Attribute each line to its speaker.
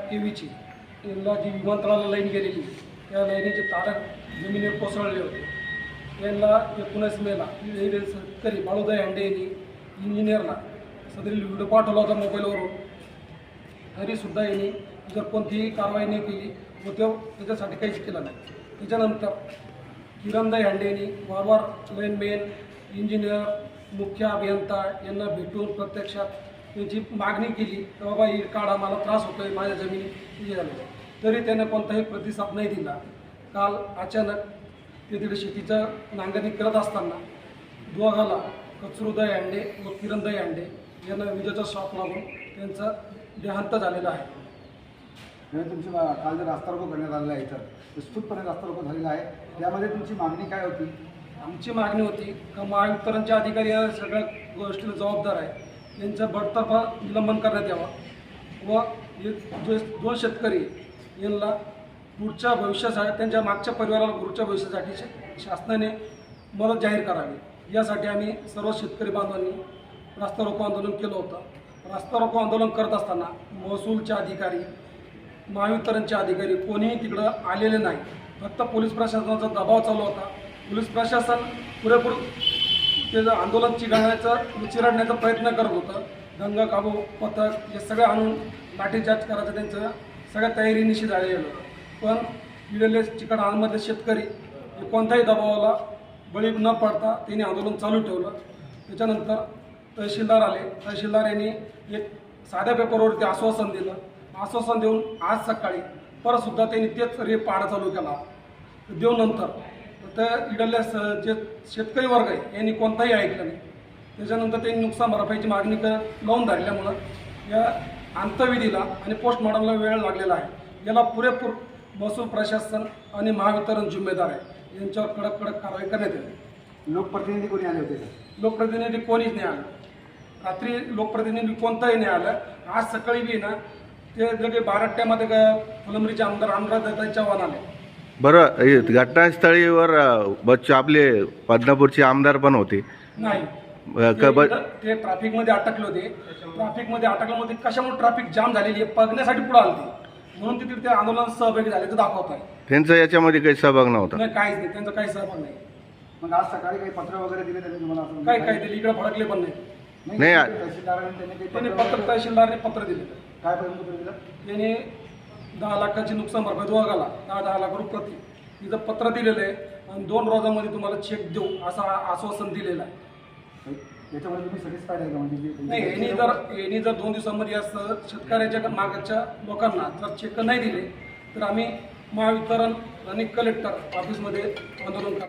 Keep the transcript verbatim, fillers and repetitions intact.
Speaker 1: केवीची यांना जी विमानतळाला लाईन गेलेली त्या लाईनीचे तारा जमिनीवर कोसळले होते. यांना एकोणीस मेला शेतकरी बाळूदाई हांडे यांनी इंजिनियरला सदरील व्हिडिओ पाठवला होता मोबाईलवरून. तरीसुद्धा यांनी जर कोणतीही कारवाई नाही केली व तो त्याच्यासाठी काहीच केलं नाही. त्याच्यानंतर किरणदाई हांडे यांनी वारंवार लाईनमॅन, इंजिनियर, मुख्य अभियंता यांना भेटून प्रत्यक्षात त्यांची मागणी केली की बाबा ही काढा, मला त्रास होतो आहे, माझ्या जमिनी हे झालं. तरी त्याने कोणताही प्रतिसाद नाही दिला. काल अचानक ते तिथे शेतीचं नांगरणी करत असताना दोघाला कचरूदाई हांडे व किरणदाई हांडे यांना विजेचा शॉक लागून त्यांचा देहांत झालेला आहे.
Speaker 2: म्हणजे तुमची काल जे रास्ता रोको करण्यात आलेला आहे तर विस्तृतपणे रास्ता रोको झालेला आहे, त्यामध्ये तुमची मागणी काय होती?
Speaker 1: आमची मागणी होती का महावितरणचे अधिकारी या सगळ्या गोष्टीला जबाबदार आहे, यांचा बडतर्फा निलंबन करण्यात यावा व हे जे दोन शेतकरी यांना पुढच्या भविष्यासाठी, त्यांच्या मागच्या परिवाराला पुढच्या भविष्यासाठी शासनाने मदत जाहीर करावी यासाठी आम्ही सर्व शेतकरी बांधवांनी रास्ता रोको आंदोलन केलं होतं. रास्ता रोको आंदोलन करत असताना महसूलचे अधिकारी, महावितरणचे अधिकारी कोणीही तिकडं आलेले नाही. फक्त पोलीस प्रशासनाचा दबाव चालू होता. पोलीस प्रशासन पुरेपूर त्याचं आंदोलन चिघळण्याचा चिरडण्याचा प्रयत्न करत होतं. दंगा काबू पथक हे सगळं आणून लाठीचार्ज करायचं त्यांचं सगळ्या तयारीनिशी झालेलं होतं. पण इडले चिकटमधले शेतकरी हे कोणत्याही दबावाला बळी न पडता त्यांनी आंदोलन चालू ठेवलं. त्याच्यानंतर तहसीलदार आले. तहसीलदार यांनी एक साध्या पेपरवरती आश्वासन दिलं. आश्वासन देऊन आज सकाळी परतसुद्धा त्यांनी तेच रेप पाडा चालू केला. देऊन नंतर तर इडल्या स जे शेतकरी वर्ग आहे यांनी कोणताही ऐकलं नाही. त्याच्यानंतर त्यांनी नुकसान भरपाईची मागणी कर लावून धरल्यामुळं या अंत्यविधीला आणि पोस्टमॉर्टमला वेळ लागलेला आहे. याला पुरेपूर महसूल प्रशासन आणि महावितरण जिम्मेदार आहे. यांच्यावर कडक कडक कारवाई करण्यात येईल.
Speaker 2: लोकप्रतिनिधी कोणी आले होते?
Speaker 1: लोकप्रतिनिधी कोणीच नाही आलं. रात्री लोकप्रतिनिधी कोणताही नाही आलं. आज सकाळी बी ना ते लगे बाराट्यामध्ये फुलंब्रीचे आमदार अनुराधा चव्हाण आले.
Speaker 3: बरं, घटनास्थळीवर बच्चू आपले बदनापूरचे आमदार पण होते.
Speaker 1: नाही, ते ट्रॅफिकमध्ये अटकले होते. ट्रॅफिकमध्ये अटकल्यामध्ये कशामुळे ट्रॅफिक जाम झालेली आहे बघण्यासाठी पुढे आले होते, म्हणून तिथे ते आंदोलनात सहभागी झाले ते दाखवत आहे.
Speaker 3: त्यांचा याच्यामध्ये काही सहभाग नव्हता?
Speaker 1: नाही, काहीच नाही, त्यांचा काही सहभाग नाही.
Speaker 2: मग आज सकाळी काही पत्र वगैरे दिले त्यांनी तुम्हाला?
Speaker 1: काही काही दिली, इकडे भडकले पण नाही.
Speaker 3: नाही,
Speaker 2: तहसीलदारांनी त्यांनी
Speaker 1: त्यांनी
Speaker 2: काही
Speaker 1: पत्र तहसीलदारने पत्र दिले.
Speaker 2: काय पर्यंत पत्र दिलं?
Speaker 1: त्यांनी दहा लाखाची नुकसान भरपाई दोघाला दहा दहा लाख रुपये प्रति तिथं पत्र दिलेलं आहे आणि दोन रोजामध्ये तुम्हाला चेक देऊ असं आश्वासन दिलेलं आहे.
Speaker 2: याच्यामध्ये तुम्ही सॅटिस्फाईड आहे का? म्हणजे
Speaker 1: नाही, यांनी जर यांनी जर दोन दिवसांमध्ये असं शेतकऱ्याच्या मागच्या लोकांना जर चेक नाही दिले तर आम्ही महावितरण आणि कलेक्टर ऑफिसमध्ये आंदोलन करतो.